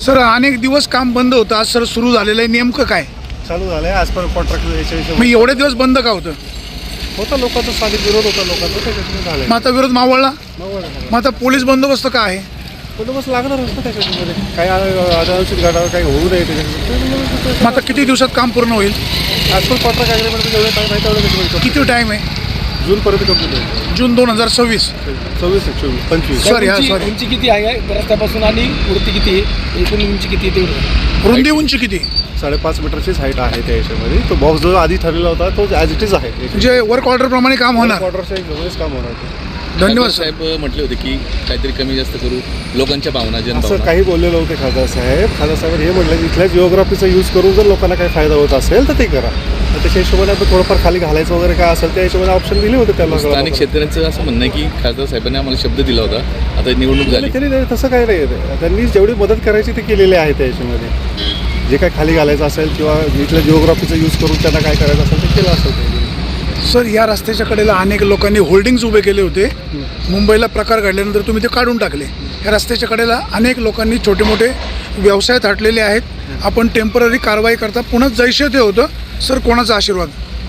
Sir अनेक दिवस काम बंद होतं, आज सर सुरू झालेलं आहे, नेमकं काय? चालू झालं आहे. आज पण कॉन्ट्रॅक्ट याच्याविषयी मग एवढे दिवस बंद का होतं? होता लोकांचा स्थानिक विरोध होता लोकांचा, त्याच्यातून झालं. मग आता विरोध मावळला, मग आता पोलीस बंदोबस्त का आहे? बंदोबस्त लागणारच ना त्याच्यामध्ये. काही अनावश्यक घडावं काही होऊ नये त्याच्यामध्ये. मग आता किती दिवसात काम पूर्ण होईल? आज पण कॉन्ट्रॅक्ट ॲग्रीमेंट जेवढे टाईम आहे तेवढं त्याच्यामध्ये किती टाईम आहे? जूनपर्यंत कंप्लीट होईल. जून 2026. 24, 25. सॉरी हा सॉरी. उंची किती आहे रस्त्यापासून आणि वृत्ती किती आहे, एकूण उंची किती आहे तेवढं? रुंदी उंची किती? 5.5 मीटरचीच हाईट आहे त्या याच्यामध्ये. तो बॉक्स जो आधी ठरलेला होता तो ॲज इट इज आहे. म्हणजे वर्क ऑर्डर प्रमाणे काम होणार. ऑर्डरच्या जवळच काम होणार ते. धन्यवाद साहेब म्हटले होते की काहीतरी कमी जास्त करू लोकांच्या भावना असं जनभावना. काही बोललेलं होते खासदार साहेब हे म्हटलं की इथल्या जिओग्राफीचा यूज करून जर लोकांना काही फायदा होत असेल तर ते करा. तर त्याच्या हिशोबाने आपण थोडंफार खाली घालायचं वगैरे काय असेल त्या हिशोबाने ऑप्शन दिले होते त्याला. स्थानिक शेतकऱ्यांचं असं म्हणणं आहे की खासदार साहेबांनी आम्हाला शब्द दिला होता, आता निवडणूक झाली. त्यांनी तसं काही नाही. त्यांनी जेवढी मदत करायची ते केलेली आहे त्या हिशोबाने. जे काय खाली घालायचं असेल किंवा इथल्या जिओग्राफीचा यूज करून त्यांना काय करायचं असेल ते केलं असेल त्यांनी. सर या रस्त्याच्या कडेला अनेक लोकांनी होल्डिंग्स उभे केले होते. मुंबईला प्रकार घडल्यानंतर तुम्ही ते काढून टाकले. या रस्त्याच्या कडेला अनेक लोकांनी छोटे मोठे व्यवसाय थाटलेले आहेत. आपण टेम्पररी कारवाई करता, पुन्हा जैसे ते होतं. सर कोणाचा आशीर्वाद?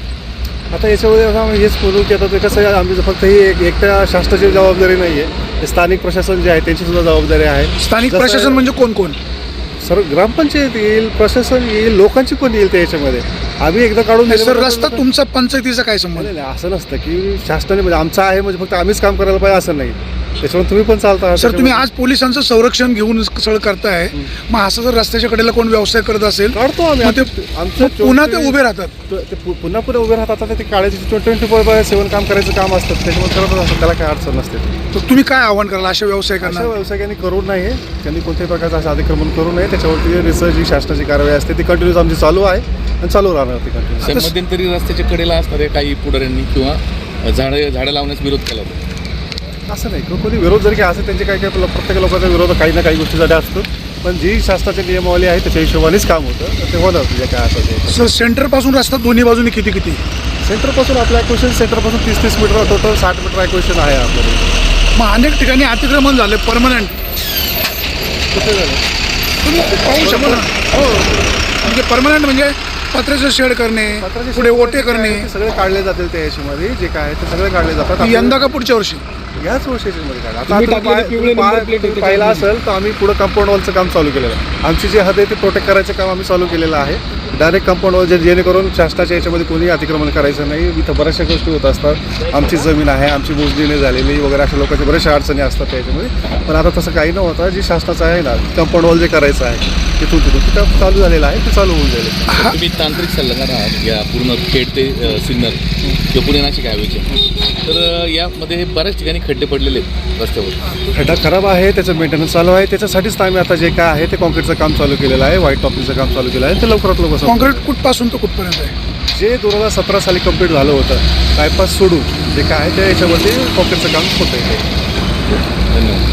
आता याच्यामध्ये आता आम्ही हेच बोलू की आता ते कसं आहे, आम्ही फक्त ही एकट्या शासनाची जबाबदारी नाही आहे. स्थानिक प्रशासन जे आहे त्यांची सुद्धा जबाबदारी आहे. स्थानिक प्रशासन म्हणजे कोण कोण? सर ग्रामपंचायत येईल, प्रशासन येईल, लोकांची पण येईल त्या याच्यामध्ये. आम्ही एकदा काढून नाही सर, रस्ता तुमचा पंचायतीचा काय संबंध? नाही असं नसतं की शासनाने म्हणजे आमचं आहे म्हणजे फक्त आम्हीच काम करायला पाहिजे असं नाही. त्याच्यामुळे तुम्ही पण चालता. सर तुम्ही आज पोलिसांचं संरक्षण घेऊन सगळं करताय, मग असं जर रस्त्याच्या कडेला कोण व्यवसाय करत असेल काढतो आम्ही. मग ते आमचं पुन्हा ते उभे राहतात. ते पुन्हा उभे राहतात. आता ते काढायचे 24/7 काम करायचं काम असतं त्याच्यामुळे करतच असतं. त्याला काय अडचण नसते. तर तुम्ही काय आव्हान कराल अशा व्यवसाय अशा करणार? व्यावसायिकांनी करू नये. त्यांनी कोणत्याही प्रकारचं असं अतिक्रमण करू नये. त्याच्यावरती रिसर्च जी शासनाची कारवाई असते ती कंटिन्यूस आमची चालू आहे आणि चालू राहणार ती कंटिन्यूस. मध्यंतरी रस्त्याच्या कडेला असणाऱ्या काही पुढाऱ्यांनी किंवा झाडं लावण्यास विरोध केला होता. असं नाही कोणी विरोध जरी काय असेल त्यांचे काही प्रत्येक लोकांचा विरोध काही ना काही गोष्टीसाठी असतो. पण जी शासनाची नियमावली आहे त्याच्या हिशोबानेच काम होतं. तर ते होणार तुझ्या काय असेल ते. सर सेंटरपासून रस्ता दोन्ही बाजूने किती किती? सेंटरपासून आपलं ॲक्वेशन सेंटरपासून 30 मीटर टोटल 60 मीटर ॲक्वेशन आहे आपल्याकडे. मग अनेक ठिकाणी अतिक्रमण झाले परमनंट. कुठे झालं तुम्ही पाहू शकता ना. हो म्हणजे परमनंट म्हणजे पत्र्याचं शेड करणे, पुढे ओटे करणे. ते सगळे काढले जातील त्या याच्यामध्ये जे काय आहे ते सगळे काढले जातात. यंदा का पुढच्या वर्षी? याच वर्षाच्यामध्ये काढा. तुम्ही टाकलेले पिवळे number plate तुम्ही होते पाहिलं असेल तर आम्ही पुढं कंपाऊंड वॉलचं काम चालू केलेलं आहे. आमची जी हद आहे ते प्रोटेक्ट करायचं काम आम्ही चालू केलेलं आहे. डायरेक्ट कंपाऊंड वॉल जेणेकरून शासनाच्या याच्यामध्ये कोणी अतिक्रमण करायचं नाही. इथं बऱ्याचशा गोष्टी होत असतात. आमची जमीन आहे, आमची मोजणी झालेली वगैरे अशा लोकांच्या बऱ्याचशा अडचणी असतात त्याच्यामध्ये. पण आता तसं काही न होता जी शासनाचं आहे ना कंपाऊंड वॉल जे करायचं आहे तिथून ते काम चालू झालेलं आहे. ते चालू होऊन जाईल. तुम्ही तांत्रिक सल्लागार आहात या पूर्ण खेड ते सिन्नर किंवा पुणे नाशिक हायवेचे. तर यामध्ये बऱ्याच ठिकाणी खड्डे पडलेले आहेत रस्त्यावर. खड्डा खराब आहे, त्याचं मेंटेनन्स चालू आहे. त्याच्यासाठीच आम्ही आता जे काय आहे ते कॉन्क्रीटचं काम चालू केलेलं आहे. व्हाईट टॉपिंगचं काम चालू केलं आहे. ते लवकरात लवकर कॉन्क्रीट कुठपासून तर कुठपर्यंत आहे? जे 2017 साली कंप्लीट झालं होतं बायपास सोडून जे काय आहे त्या याच्यामध्ये कॉन्क्रीटचं काम होतं आहे. धन्यवाद.